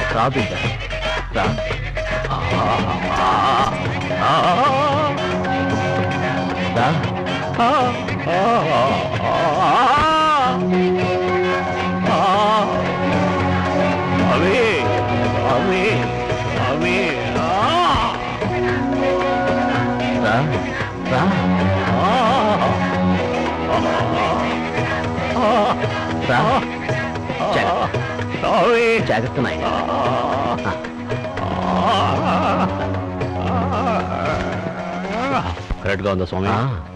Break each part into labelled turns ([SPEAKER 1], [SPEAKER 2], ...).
[SPEAKER 1] రా బిడ్డ రా.
[SPEAKER 2] అవి అవి అవి
[SPEAKER 1] రా రా. రా జాగ్రత్త నాయన.
[SPEAKER 2] కరెక్ట్ గా ఉందా స్వామి?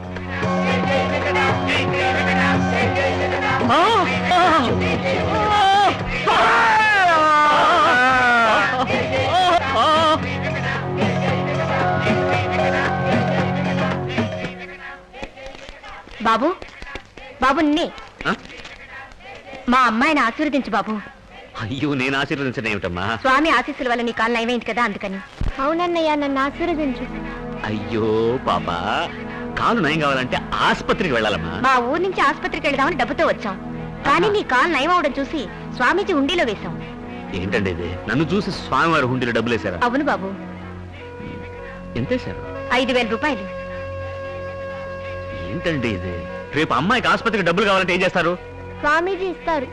[SPEAKER 3] బాబు బాబు నిన్నే. మా అమ్మాయిని ఆశీర్వదించు బాబు.
[SPEAKER 2] అయ్యో నేను ఆశీర్వదించడం ఏమిటమ్మా?
[SPEAKER 3] స్వామి ఆశీస్సుల వల్ల నీ కాలు నయమైంది కదా అందుకని. అవునన్నయ్య నన్ను ఆశీర్వదించు.
[SPEAKER 2] అయ్యో పాపా, కాలు నయం కావాలంటే ఆసుపత్రికి వెళ్ళాలమ్మా.
[SPEAKER 3] మా ఊరు నుంచి ఆసుపత్రికి వెళ్దామని డబ్బుతో వచ్చాం, కానీ నీ కాలు నయం అవడం చూసి స్వామీజీ హుండీలో వేశాం.
[SPEAKER 2] ఏంటండి ఇది? నన్ను చూసి స్వామివారి హుండీలో డబ్బులు వేశారా?
[SPEAKER 3] అవును బాబు.
[SPEAKER 2] ఎంత వేశారు?
[SPEAKER 3] 5,000 రూపాయలు.
[SPEAKER 2] ఏంటండి ఇది? రేపు అమ్మాయికి ఆసుపత్రికి డబ్బులు కావాలంటే ఏం చేస్తారు?
[SPEAKER 3] స్వామీజీ ఇస్తారు.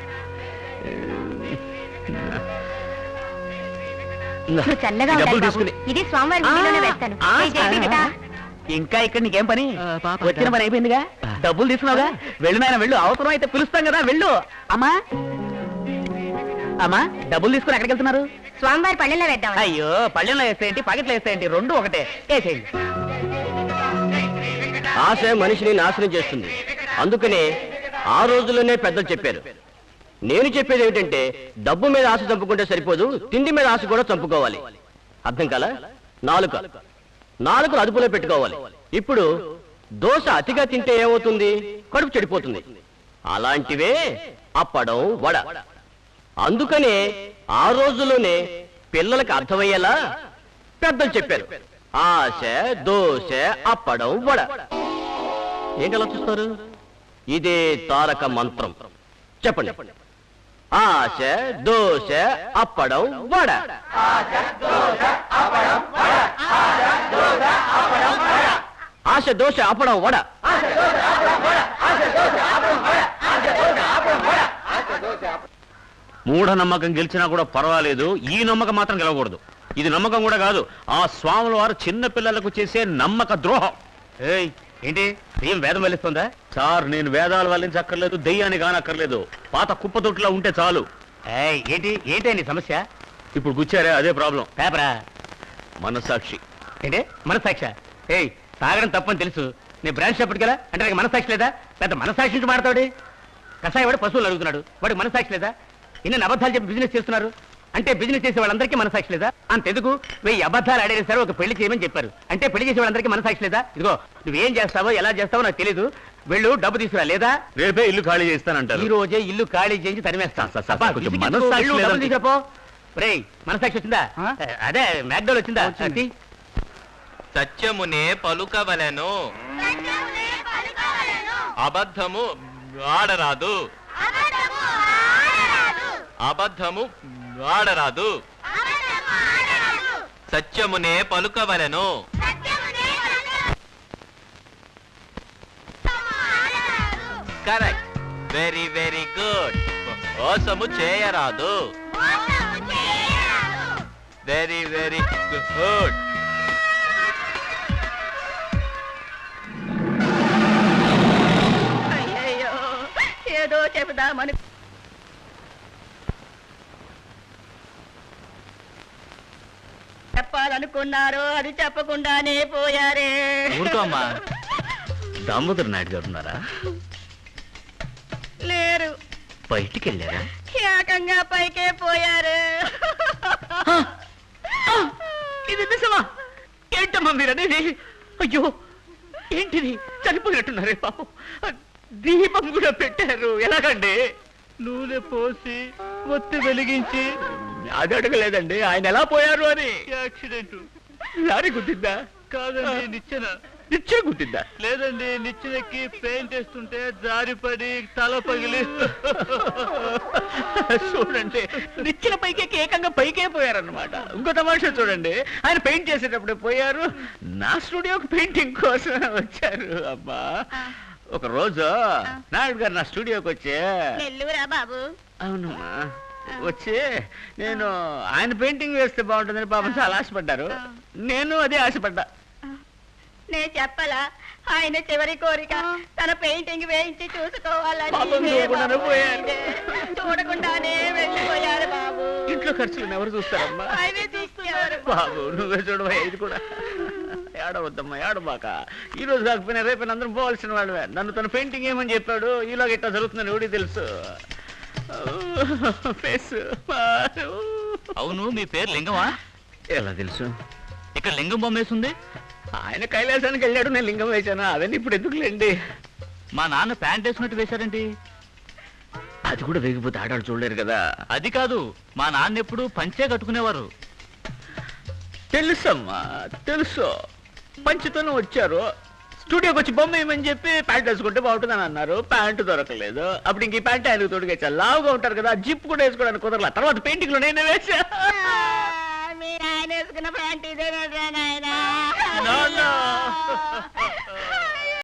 [SPEAKER 3] నువ్వు చల్లగా ఉండాలి బాబు. ఇది స్వామివారి హుండీలోనే వేస్తాను.
[SPEAKER 1] ఇంకా ఇక్కడ నీకేం పని? వచ్చిన పని అయిపోయిందిగా, డబ్బులు తీసుకున్నావుగా, వెళ్ళినాయన వెళ్ళు. అవసరం అయితే పిలుస్తాం కదా, వెళ్ళు. అమ్మా అమ్మా, డబ్బులు తీసుకుని ఎక్కడికి వెళ్తున్నారు?
[SPEAKER 3] స్వామివారి పళ్ళెంలో వేద్దాం.
[SPEAKER 1] అయ్యో, పళ్ళెంలో వేస్తాయంటి, పాకెట్లో వేస్తాయంటి, రెండు ఒకటే. వేసేయండి.
[SPEAKER 4] ఆశ మనిషిని నాశనం చేస్తుంది. అందుకనే ఆ రోజుల్లోనే పెద్దలు చెప్పారు. నేను చెప్పేది ఏమిటంటే, డబ్బు మీద ఆశ చంపుకుంటే సరిపోదు, తిండి మీద ఆశ కూడా చంపుకోవాలి. అర్థం కాలా? నాలుకలు అదుపులో పెట్టుకోవాలి. ఇప్పుడు దోశ అతిగా తింటే ఏమవుతుంది? కడుపు చెడిపోతుంది. అలాంటివే అప్పడం, వడ. అందుకనే ఆ రోజుల్లోనే పిల్లలకు అర్థమయ్యేలా పెద్దలు చెప్పారు. ఆశ, దోశ, అప్పడం, వడ. ఏంటి అలా చూస్తారు? ఇదే తారక మంత్రం. చెప్పండి. ఆశ, దోశ, అప్పడం, వడ. ఆశ, దోశ, అప్పడం, వడ.
[SPEAKER 2] మూఢనమ్మకం గెలిచినా కూడా పర్వాలేదు, ఈ నమ్మకం మాత్రం గెలవకూడదు. ఇది నమ్మకం కూడా కాదు, ఆ స్వాముల వారు చిన్న పిల్లలకు చేసే నమ్మక ద్రోహం.
[SPEAKER 1] ఏంటి దెయ్యం వేదం వల్లిస్తుందా?
[SPEAKER 2] సార్, నేను వేదాలు వల్లించక్కర్లేదు, దెయ్యాన్ని కానక్కర్లేదు. పాత కుప్పతొట్టులా ఉంటే చాలు.
[SPEAKER 1] ఏంటి నీ సమస్య?
[SPEAKER 2] ఇప్పుడు కూర్చారే, అదే ప్రాబ్లం.
[SPEAKER 1] పేపరా?
[SPEAKER 2] మనసాక్షి.
[SPEAKER 1] ఏంటి మనసాక్ష? తాగడం తప్పని తెలుసు, నేను బ్రాంచ్ చెప్పడు కదా, అంటే నాకు మనసాక్షి లేదా? పెద్ద మనసాక్షి నుంచి మాడతాడు. కషాయ వాడు పశువులు అడుగుతున్నాడు, వాడికి మనసాక్షి లేదా? ఇన్ని అబద్ధాలు చెప్పి బిజినెస్ చేస్తున్నారు అంటే బిజినెస్ చేసే వాళ్ళందరికీ మనసాక్షి లేదా? అంతెందుకు 1000 అబద్ధాలు ఆడేది సరే ఒక పెళ్లి చేయమని చెప్పారు అంటే పెళ్లి చేసే వాళ్ళందరికీ మనసాక్షి లేదా? ఇదిగో నువ్వేం చేస్తావో ఎలా చేస్తావో నాకు తెలీదు, వెళ్ళు డబ్బు తీసుకురా, లేదా
[SPEAKER 2] రేపే ఇల్లు ఖాళీ చేస్తానంటారు.
[SPEAKER 1] ఈ రోజే ఇల్లు ఖాళీ చేయించి తరిమేస్తాను. మనసాక్షి వచ్చిందా? అదే మ్యాక్డోల్ వచ్చిందా?
[SPEAKER 5] సత్యమునే పలుకవలెను, అబద్ధము ఆడరాదు. అబద్ధము ఆడరాదు. సత్యమునే పలుకవలెను. Correct, very very good. మోసము చేయరాదు. Very very good.
[SPEAKER 3] ఏదో చెబుదామని చెప్పాలనుకున్నారు, అది చెప్పకుండానే పోయారే.
[SPEAKER 2] ఊరుకోమ్మా. దామోదర్ నాయుడు గారు ఉన్నారా?
[SPEAKER 3] లేరు.
[SPEAKER 2] బయటికి వెళ్ళారా?
[SPEAKER 3] ఏకంగా పైకే పోయారు.
[SPEAKER 1] ఇది నిజమా? ఏంటమ్మా మీరు అనేది? అయ్యో ఏంటిది? చనిపోయినట్టున్నారే పాపం. దీపం కూడా పెట్టారు, ఎలాగండి? నూనె పోసి ఒత్తి వెలిగించి. అది అడగలేదండి, ఆయన ఎలా పోయారు అని. యాక్సిడెంట్. లారీ గుద్దిందా? కాదండి, నిచ్చెన.
[SPEAKER 2] నిచ్చెన గుద్దిందా?
[SPEAKER 5] లేదండి, నిచ్చెనెక్కి పెయింట్ వేస్తుంటే జారిపడి తల పగిలి.
[SPEAKER 2] చూడండి, నిచ్చెన పైకి ఏకంగా పైకే పోయారన్నమాట. ఇంకో తమాషా చూడండి, ఆయన పెయింట్ చేసేటప్పుడే పోయారు, నా స్టూడియోకి పెయింటింగ్ కోసం వచ్చారు. అబ్బా, ఒక రోజు నాయుడు గారు నా స్టూడియోకి వచ్చి,
[SPEAKER 3] నెల్లూరా బాబు?
[SPEAKER 2] అవునమ్మా, వచ్చి నేను ఆయన పెయింటింగ్ వేస్తే బాగుంటుందని పాపం చాలా ఆశపడ్డారు. నేను అదే ఆశపడ్డా.
[SPEAKER 3] నేను చెప్పలా, ఆయన చివరి కోరిక తన పెయింటింగ్ వేయించి చూసుకోవాలని.
[SPEAKER 2] పాపం చూడకుండానే పోయారు.
[SPEAKER 3] చూడకుండానే వెళ్ళిపోయారు బాబు.
[SPEAKER 2] ఇంట్లో ఖర్చులను ఎవరు చూస్తారమ్మా?
[SPEAKER 3] ఆయనే చూస్తున్నారు.
[SPEAKER 2] బాబు నువ్వే చూడవా, ఇది కూడా ఏడవద్దమ్మా, ఏడబాక. ఈ రోజు కాకపోయినా రేపు అందరం పోవాల్సిన వాళ్ళవే. నన్ను తన పెయింటింగ్ ఏమని చెప్పాడు, ఇలాగ ఇట్లా జరుగుతుందని ఎవడికి తెలుసు. ఫేస్
[SPEAKER 5] అవును, మీ పేరు లింగమా?
[SPEAKER 2] ఎలా తెలుసు?
[SPEAKER 5] ఇక్కడ లింగం బొమ్మ వేసింది.
[SPEAKER 2] ఆయన కైలాసానికి వెళ్ళాడు, నేను లింగం వేశాను. అవన్నీ ఇప్పుడు ఎందుకులేండి.
[SPEAKER 5] మా నాన్న ప్యాంట్ వేసినట్టు వేశారండి.
[SPEAKER 2] అది కూడా వేగిపోతే ఆడాడు చూడలేరు కదా.
[SPEAKER 5] అది కాదు, మా నాన్న ఎప్పుడు పంచే కట్టుకునేవారు.
[SPEAKER 2] తెలుసమ్మా, తెలుసు. పంచుతోనే వచ్చారు. స్టూడియోకి వచ్చి బొమ్మ వేయమని చెప్పి ప్యాంట్ వేసుకుంటే బాగుంటుందని అన్నారు. ప్యాంటు దొరకలేదు. అప్పుడు ఇంక ఈ ప్యాంట్ ఆయనకు తోడుగా లావుగా ఉంటారు కదా, జిప్ కూడా వేసుకోవడానికి కుదరలా. తర్వాత పెయింటింగ్ లో నేనే వేసా.
[SPEAKER 3] మీరు ఆయన వేసుకున్న ప్యాంట్ ఇదే నాయనా.
[SPEAKER 2] No, no.